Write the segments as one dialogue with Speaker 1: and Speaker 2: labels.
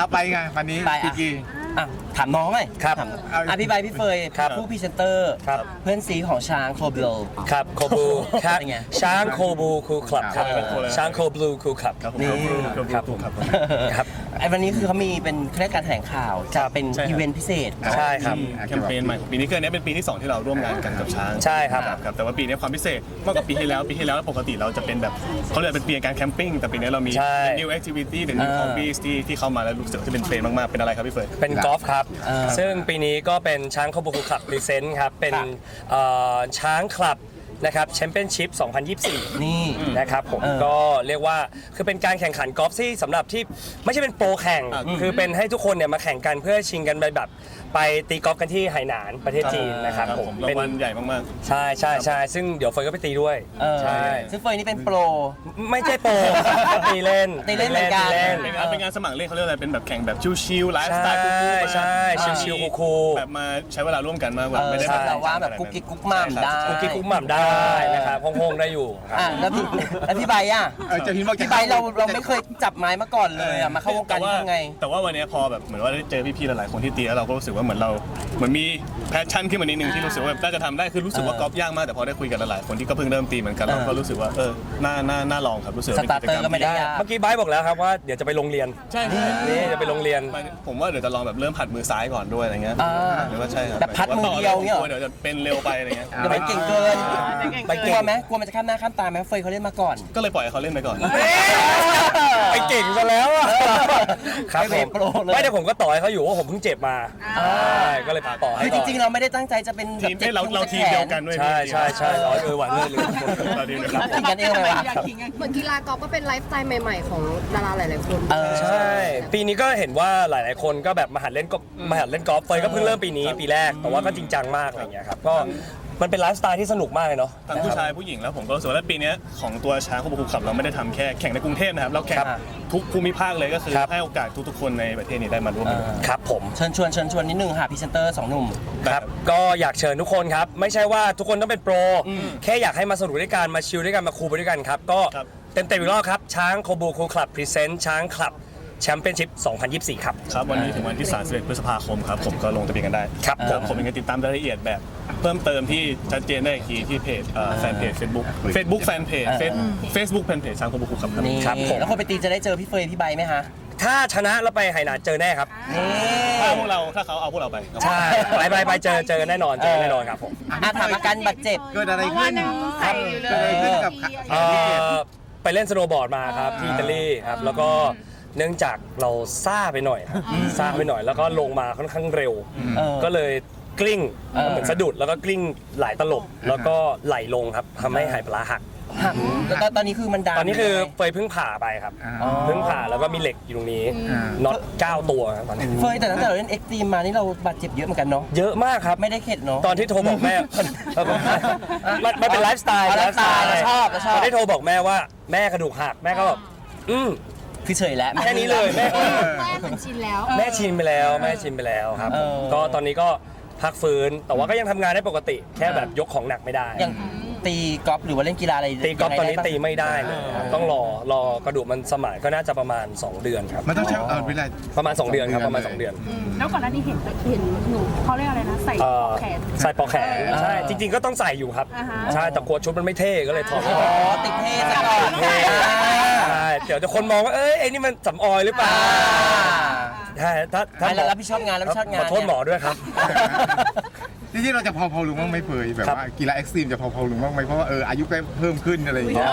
Speaker 1: เอาไปไงวันนี้พี่กี
Speaker 2: ถามน้องหน่อย
Speaker 3: ครับ
Speaker 2: พี่ใบพี่เฟย
Speaker 3: ครับ
Speaker 2: ผู้พรีเซนเตอร์
Speaker 3: ครับ
Speaker 2: เพื่อนซีของช้างโคเบล
Speaker 3: ครับโคบูครับ
Speaker 2: เป็นไง
Speaker 3: ช้างโคบูคูลคลับครับ ช้างโคบลูคูลคลับ
Speaker 1: ครับผม
Speaker 2: นี่
Speaker 1: ครับผมครับ
Speaker 2: ไอ้วันนี้คือเขามีเป็นแค่การแถลงข่าวจะเป็น
Speaker 1: ใช่ครับ
Speaker 2: อีเวนต์พิเศษ
Speaker 3: ใช่ครับ
Speaker 1: แคมเปญใหม่ของปีนี้คืออันนี้เป็นปีที่ 2 ที่เราร่วมงานกันกับช้าง
Speaker 3: ใช่ครับ
Speaker 1: ครับแต่ว่าปีนี้ความพิเศษมากกว่าปีที่แล้วปกติเราจะเป็นแบบเขาเรียกเป็นปีการแคมปิ้งแต่ปีนี้เรามี
Speaker 3: ใช่
Speaker 1: new activity หรือ new hobbies ที่เข้ามาแล้วรู้สึกว่าจะเป็นเทรนด์มากๆเป็นอะไรครับพี่เฟิร์น
Speaker 3: เป็นกอล์ฟครับ ซึ่งปีนี้ก็เป็นช้างโคบูคูลคลับพรีเซนต์ครับ เป็นช้างคลับนะครับแชมเปี้ยนชิพ 2024
Speaker 2: นี่
Speaker 3: นะครับผมก็เรียกว่าคือเป็นการแข่งขันกอล์ฟที่สำหรับที่ไม่ใช่เป็นโปรแข่ง คือเป็นให้ทุกคนเนี่ยมาแข่งกันเพื่อชิงกันไปแบบไปตีกอล์ฟกันที่ไหหนานประเทศจีนนะครับผม
Speaker 1: รางวัลใหญ่มาก
Speaker 3: ใช่ใช่ใช่ซึ่งเดี๋ยวเฟยก็ไปตีด้วยใช่
Speaker 2: ซึ่งเฟยนี่เป็นโปร
Speaker 3: ไม่ใช่โปรตีเล่น
Speaker 2: ตีเล่นเหมือนกัน
Speaker 3: ตีเล่น
Speaker 1: ๆเป็นงานสมัครเล่นเขาเรียกอะไรเป็นแบบแข่งแบบชิลๆไลฟ์สไตล์คูลๆ
Speaker 3: ใช่ชิลๆคูลๆ
Speaker 1: แบบมาใช้เวลาร่วมกันมากกว่าไม่ได้
Speaker 2: แต่ว่าแบบกุ๊กกิ๊กกุ๊กม่ำได้
Speaker 3: กุ๊กกิ๊กกุ๊กหม่ำได้นะครับโฮงๆได้อยู่ครับ
Speaker 2: แล้วพี่ใบอ่ะ
Speaker 1: จะพิมพ์ว่า
Speaker 2: พี่ใบเราไม่เคยจับไม้มาก่อนเลยอ่ะมาเข้าวงการนี้ยังไง
Speaker 1: แต่ว่าวันนี้พอแบบเหมือนว่าได้เจอพี่ๆหลายๆคนที่ตีแล้วเราก็รู้สึกว่าเหมือนมีแพชชั่นขึ้นมานิดนึงที่รู้สึกว่าน่าจะทำได้คือรู้สึกว่ากอล์ฟยากมากแต่พอได้คุยกันหลายๆคนที่ก็เพิ่งเริ่มตีเหมือนกันเราก็รู้สึกว่าน่าลองครับรู้สึกว่าเป็นกิจกรรม
Speaker 2: สตาร์เตอร์ก็ไม่ได้
Speaker 3: เมื่อกี้ไบร์ทบอกแล้วครับว่าเดี๋ยวจะไปโรงเรียน
Speaker 1: ใช่
Speaker 3: นี่จะไปโรงเรียน
Speaker 1: ผมว่าเดี๋ยวจะลองแบบเริ่มผัดมือซ้ายก่อนด้วยอะไรเงี้ยหรือว่าใช่ครับ
Speaker 2: แบบพัดมือเดียวเงี้ย
Speaker 1: เดี๋ยวจะเป็นเร็วไปอะไรเงี้ย
Speaker 2: เดี๋ยวไปเก่งเกิน
Speaker 3: ไป
Speaker 2: ก
Speaker 3: เก่
Speaker 2: ลัว
Speaker 3: ง
Speaker 2: ไหมกลัวมันจะข้ามหน้าข้ามตาไหมเฟยเขาเล่นมาก่อน
Speaker 1: ก็เลยปล่อยให้เขาเล่นไปก่อน
Speaker 3: ไปเก่งซะแล้วอะครับผม
Speaker 2: ไม่โปรเลย
Speaker 3: ไม่แต่ผมก็ต่อให้เขาอยู่ว่าผมเพิ่งเจ็บมาใช่ก็เลยต่อให้
Speaker 2: คือจริงๆเราไม่ได้ตั้งใจจะเป็นแบบ
Speaker 1: ทีมให้เราทีมเดียวกันด้วย
Speaker 3: ใช่ใช่ใช่หวานเลย
Speaker 1: เราทีมเดียวกัน
Speaker 2: ทิ้งกันเองเลยวะ
Speaker 4: เหมือนกีฬากอล์ฟก็เป็นไลฟ์สไตล์ใหม่ๆของดาราหลายๆคน
Speaker 3: ใช่ปีนี้ก็เห็นว่าหลายๆคนก็แบบมาหัดเล่นกอล์ฟเฟยก็เพิ่งเริ่มปีนี้ปีแรกแต่ว่าก็จริงจังมากอะไรอย่างเงี้ยครับก็มันเป็นไลฟ์สไตล์ที่สนุกมากเลยเนาะ
Speaker 1: ทั้งผู้ชายผู้หญิงแล้วผมก็รู้สึกว่าปีนี้ของตัวช้างโคบูคูลคลับเราไม่ได้ทำแค่แข่งในกรุงเทพนะครับเราแข่งทุกภูมิภาคเลยก็คือให้โอกาสทุกๆคนในประเทศนี้ได้มาร่วมกัน
Speaker 3: ครับผม
Speaker 2: เชิญชวนนิดนึงค่ะพรีเซนเตอร์2หนุ่ม
Speaker 3: ครับก็อยากเชิญทุกคนครับไม่ใช่ว่าทุกคนต้องเป็นโปรแค่อยากให้มาสนุกด้วยกันมาชิลด้วยกันมาคูลไปด้วยกันครับก็เต็มอีกรอบครับช้างโคบูคูลคลับพรีเซนต์ช้างคลับแชมเปี้ยนชิพ 2024 ครับ
Speaker 1: ครับวันนี้ถึงวันที่31พฤษภาคมครับผมก็ลงทะเบียนกันได้
Speaker 3: ครับผม
Speaker 1: ยังติดตามรายละเอียดแบบเพิ่มเติมที่ชัดเจนได้อีกทีที่เพจแฟนเพจ Facebook แฟนเพจ Facebook แฟนเพจช้างโคบูคูลคลับครับ
Speaker 2: นี่
Speaker 3: ครับผม
Speaker 2: แล้วคนไปตีจะได้เจอพี่เฟยพี่ใบไหมคะ
Speaker 3: ถ้าชนะแล้วไปไหหนานเจอแน่ครับ
Speaker 2: นี่
Speaker 1: ถ้าเขาเอาพวกเราไปครับ
Speaker 3: ใช่ไปเจอกันแน่นอนครับผม
Speaker 2: ถามอาการบาดเจ็บ
Speaker 1: เกิดอะไรขึ้น
Speaker 4: ใส่อยู่เลย
Speaker 1: กับ
Speaker 3: ไปเล่นสโนว์บอร์ดมาครับที่อิตาลีครับแล้วก็เนื่องจากเราซ่าไปหน่อยครับซ่าไปหน่อยแล้วก็ลงมาค่อนข้างเร็ว ก็เลยกลิ้งเหมือนสะดุดแล้วก็กลิ้งหลายตลบแล้วก็ไหลลงครับทำให้ไหปลาร้าหัก
Speaker 2: ตอนนี้คือมันดัง
Speaker 3: ตอนนี้คือเฟยเพิ่งผ่าไปครับเพิ่งผ่าแล้วก็มีเหล็กอยู่ตรงนี้น็อต9 ตัวครับตอนนี้
Speaker 2: เฟยแต่ตั้งแต่เราเล่นเอ็กซ์ตรีมมานี่เราบาดเจ็บเยอะเหมือนกันเนาะ
Speaker 3: เยอะมากครับ
Speaker 2: ไม่ได้เข็ดเนาะ
Speaker 3: ตอนที่โทรบอกแม่ มันเป็นไลฟ์สไตล์
Speaker 2: ไลฟ์สไตล์เราชอบ
Speaker 3: ตอนที่โทรบอกแม่ว่าแม่กระดูกหักแม่ก็แบบ
Speaker 2: คือเฉยแล้ว
Speaker 3: แค่นี้เลยแม่
Speaker 4: แม่เหมือนชินแล้ว
Speaker 3: แม่ชินไปแล้วครับก็ตอนนี้ก็พักฟื้นแต่ว่าก็ยังทำงานได้ปกติ แค่แบบยกของหนักไม่ได้
Speaker 2: อย่างตีกอล์ฟหรือว่าเล่นกีฬาอะไร
Speaker 3: ตีกอล์ฟตอนนี้ตีไม่ได้เลยครับต้องรอกระดูกมันสมานก็น่าจะประมาณ2 เดือนครับ
Speaker 1: มันต้องใช้เวลา
Speaker 3: ประมาณ2 เดือนครับประมาณ2 เดือน
Speaker 5: แล้วก่อนหน้านี้เห็นหนูเขาเรียกอะไรนะใส่ปลอกแขน
Speaker 3: ใส่ปลอกแขนใช่จริงๆก็ต้องใส่อยู่ครับ
Speaker 5: อ่าฮะ
Speaker 3: ใช่แต่กลัวชุดมันไม่เท่ก็เลยถอด
Speaker 2: อ๋อติดเท่ซะก่อน
Speaker 3: เท่ใช่เดี๋ยวจะคนมองว่าไอ้นี่มันสำออยหรือเปล่าใช่ถ้า
Speaker 2: แล้วรับผิดชอบงาน
Speaker 3: ขอโทษหมอด้วยครับ
Speaker 6: จริงๆเราจะพอลุงบ้างไหมเฟยแบบว่ากีฬาเอ็กซ์ตรีมจะพอลุงบ้างไหมเพราะว่าอายุก็เพิ่มขึ้นอะไรอย่างเงี้ย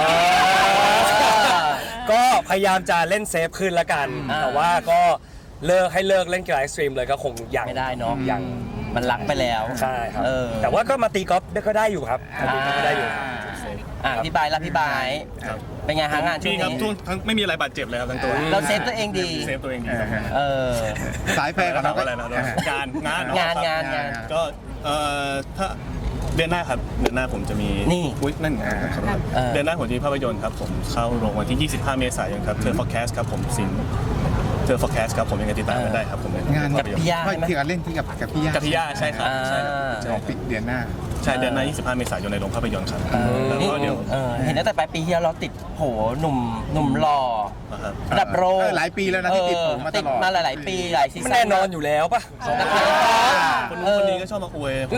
Speaker 3: ก็พยายามจะเล่นเซฟขึ้นละกัน แต่ว่าก็เลิกเล่นกีฬาเอ็กซ์ตรีมเลยก็คงยัง
Speaker 2: ไม่ได้เนาะ
Speaker 3: ยัง
Speaker 2: มันรักไปแล้ว
Speaker 3: ใช่ครับ
Speaker 2: เออ
Speaker 3: แต่ว่าก็มาตีกอล์ฟก็ได้อยู่ครับตีกอล์ฟก็ได้อยู่
Speaker 2: พี่บายรับพี่บายเป็นไงฮะงานช่ว
Speaker 1: ดี
Speaker 2: ง
Speaker 1: ครับ
Speaker 2: นี้
Speaker 1: ทั้งไม่มีอะไรบาดเจ็บเลยครับทั้งตัว
Speaker 2: เราเซฟตัวเองดี
Speaker 1: เซฟตัวเองดีครับ
Speaker 2: เออ
Speaker 6: สายแฟร์ของ
Speaker 1: ถา
Speaker 6: เรา
Speaker 1: มอะไรนะงาน ก็ถ้าเดือนหน้าครับเดือนหน้าผมจะมี
Speaker 2: นี่
Speaker 1: อุ๊ยนั่นไงครับเดือนหน้าผมจะมีภาพยนตร์ครับผมเข้าโรงวันที่ 25 เมษายนครับเทอร์ฟอร์แคสครับผมสินเจอ forecast ครับผมยังไงติดตามกันได้ครับผมใน
Speaker 6: งาน
Speaker 1: ภาพยนตร์
Speaker 2: พี่ย่า
Speaker 6: ไม่
Speaker 2: ใช่ไหม
Speaker 6: ที่การเล่นที่กับพี่ย่า
Speaker 1: กับพี่ย่าใช่ครับใช่ครับ
Speaker 6: ของปิดเดือนหน้า
Speaker 1: ใช่เดือนหน้า25 เมษายนในโรงภาพยนตร์ครับแล้ว
Speaker 2: นี่
Speaker 1: ก็เดี๋ยว
Speaker 2: เห็นตั้งแต่ปลายปีที่แล้วเราติดโหหนุ่มหล่อ
Speaker 1: นะครับ
Speaker 2: ระดับโลก
Speaker 6: หลายปีแล้วนะที่ติดผมมาตลอด
Speaker 2: ติดมาหลายๆปีหลายซี
Speaker 3: มัน
Speaker 2: ซั่น
Speaker 3: แน่นอนอยู่แล้วป่ะ
Speaker 2: ละคร
Speaker 1: คนนู้นคนนี้ก็ชอบมาอวยผม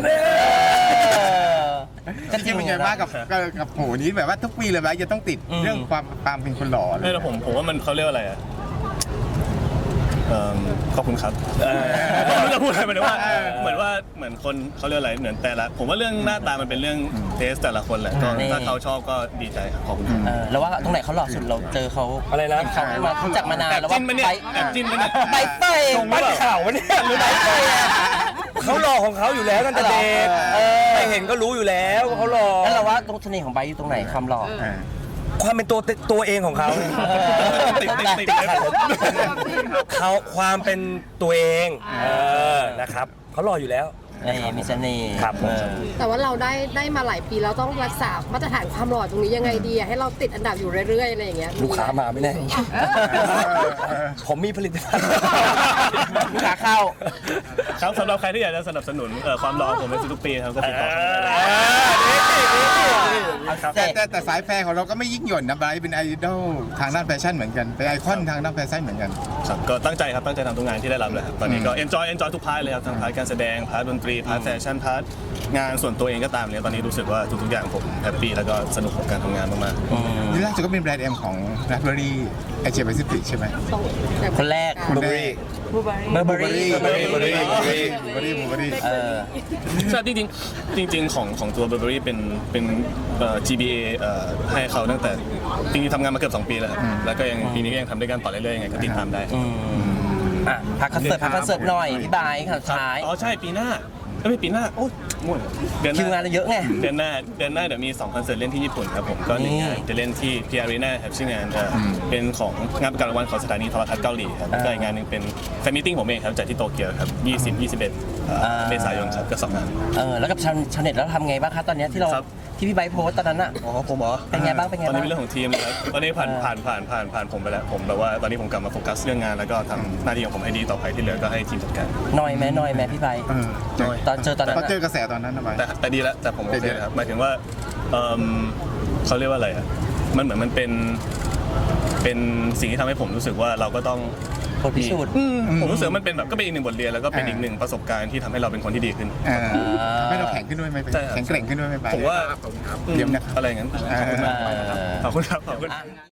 Speaker 2: ก็
Speaker 6: จ
Speaker 2: จริ
Speaker 6: ริ
Speaker 2: ง
Speaker 6: งๆเป็นไงบ้างกับโหนี้แบบว่าทุกปีเลยไหมจะต้องติดเรื่องความเป็นคนหล่อเลย
Speaker 1: ไม่แต่ผมว่ามันเขาเรียกว่าอะไรอะขอบคุณครับไม่รู้จะพูดอะไรเหมือนว่าเหมือนคนเขาเรียกอะไรเหมือนแต่ละผมว่าเรื่องหน้าตามันเป็นเรื่องเทสแต่ละคนแหละก็ถ้าเขาชอบก็ดีใจครับขอบคุณครับ
Speaker 2: แล้วว่าตรงไหนเขาหล่อสุดเราเจอเขา
Speaker 3: อะไรนะ
Speaker 2: เขามารู้จักมานาน
Speaker 1: แอบ
Speaker 2: แล้ว
Speaker 1: จิ้
Speaker 2: ว่าน
Speaker 1: ไหมเนี่ยแอบจิ้นไหมเนี่ย
Speaker 2: ใบเตย
Speaker 3: บ้านข่าววะเนี่ยหรือไเยเขาหล่อของเขาอยู่แล้วตั้งแต่เด็กใครเห็นก็รู้อยู่แล้วว่าเขาหล่อ
Speaker 2: แล้วเราว่าตรงเสน่ห์ของใบอยู่ตรงไหนความหล่อ
Speaker 3: ความเป็นตัวเองของเขา
Speaker 1: ติดเลย
Speaker 3: เขาความเป็นตัวเองนะครับเขาหล่ออยู่แล้ว
Speaker 2: มีเสน่ห์
Speaker 3: ครับผม
Speaker 4: แต่ว่าเราได้มาหลายปีแล้วต้องรักษามาตรฐานความหล่อตรงนี้ยังไงดีอะให้เราติดอันดับอยู่เรื่อยๆอะไรอย่างเงี้ย
Speaker 3: ลูกค้ามาไม่แน่ผมมีผลิตภัณฑ์
Speaker 2: ลูกค้าเข้า
Speaker 1: ครับสำหรับใครที่อยากจะสนับสนุนความรอผมในทุกๆปีครับก็ติดต่อเข้ามาได้ครับ
Speaker 6: แต่สายแฟร์ของเราก็ไม่ยิ่งหย่อนนะไบรท์เป็นไอดอลทางด้านแฟชั่นเหมือนกันเป็นไอคอนทางด้านแฟชั่นเหมือนกัน
Speaker 1: ครับก็ตั้งใจครับตั้งใจทำทุกงานที่ได้รับเลยครับตอนนี้ก็ enjoy ทุกพาร์ทเลยครับทั้งพาร์ทการแสดงพาร์ทดนตรีพาร์ทแฟชั่นพาร์ทงานส่วนตัวเองก็ตามเนี่ยตอนนี้รู้สึกว่าทุกๆอย่างผมแฮปปี้แล้วก็สนุกกับการทำงานมากๆ
Speaker 6: นี่ล่าสุดก็เป็นแบรนด์เอ็มของแบล็คเบอรี่เอเชียแปซิฟิกใช่ไหม
Speaker 4: ต้อง
Speaker 2: คนแรก
Speaker 6: คุณได้
Speaker 5: บูเบอรี่
Speaker 2: เบอร์เบอรี่
Speaker 6: บูเบอรี่
Speaker 1: ใช่จริงของตัว Burberry เป็นGBA ให้เขาตั้งแต่จริงๆทำงานมาเกือบ2 ปีแล้วครับแล้วก็ยังปีนี้ก็ยังทำด้วยกันต่อเรื่อยๆยังไงก็ติดตามได้
Speaker 2: พักคอนเสิร์ตหน่อยพี่บายข่าวท้าย
Speaker 1: อ๋อใช่ปีหน้าไม่ปีหน้าโอ้ยมั่วเดือนห
Speaker 2: คิวงา
Speaker 1: น้าน
Speaker 2: เราเยอะไง
Speaker 1: เดือนหน้าเดี๋ยวมี2 คอนเสิร์ตเล่นที่ญี่ปุ่นครับผมก็หนึ่งงานจะเล่นที่ P Arena ครับชื่องานเป็นของงานประกาศรางวัลของสถานีโทรทัศน์เกาหลีครับก็อีกงานหนึ่งเป็นแฟนมิทติ้งผมเองครับจัดที่โตเกียวครับ20-21เมษายนครับก็2 งาน
Speaker 2: แล้วกับชาวเน็ตแล้วทำไงบ้างคะตอนนี้ที่เรา
Speaker 1: ครับ
Speaker 2: ที่พี่ไบร์ทโพสต์ตอนนั้นอ่ะ
Speaker 1: อ๋อผมเหรอ
Speaker 2: เป็นไงบ้างเป็นไง
Speaker 1: ตอน
Speaker 2: บ้า
Speaker 1: นี้
Speaker 2: ง
Speaker 1: เป็นเรื่องของทีมนะครับตอนนี้ผ่านผมไปแล้วผมแบบว่าตอนนี้ผมกลับมาโฟกัสเรื่องงานแล้วก็ทำหน้าที่ของผมให้ดีต่อไปที่เหลือก็ให้ทีมจัดการ
Speaker 2: หน่อยไหมพี่ไบร์ทตอนเจอตอนนั้น
Speaker 6: เขาเจอกระแสตอนนั้นนะไบรท์
Speaker 1: แต่ดีแล้วแต่ผมโอเคนะครับหมายถึงว่าเขาเรียกว่าอะไรอ่ะมันเหมือนมันเป็นสิ่งที่ทำให้ผมรู้สึกว่าเราก็ต้อง
Speaker 2: บทพิสูจน์
Speaker 1: ผมรู้สึกว่ามันเป็นแบบก็เป็นอีกหนึ่งบทเรียนแล้วก็เป็นอีกหนึ่งประสบการณ์ที่ทำให้เราเป็นคนที่ดีขึ้น
Speaker 6: ไม่เราแข็งขึ้นด้วยไหม
Speaker 1: ใช่ครับ
Speaker 6: แข็งแกร่งขึ้นด้วยไหมไบรท์
Speaker 1: ผมว่า
Speaker 6: เยี่ยมนะครับ
Speaker 1: อะไรอย่างนั้นขอบคุณมากขอบคุณครับขอบคุณ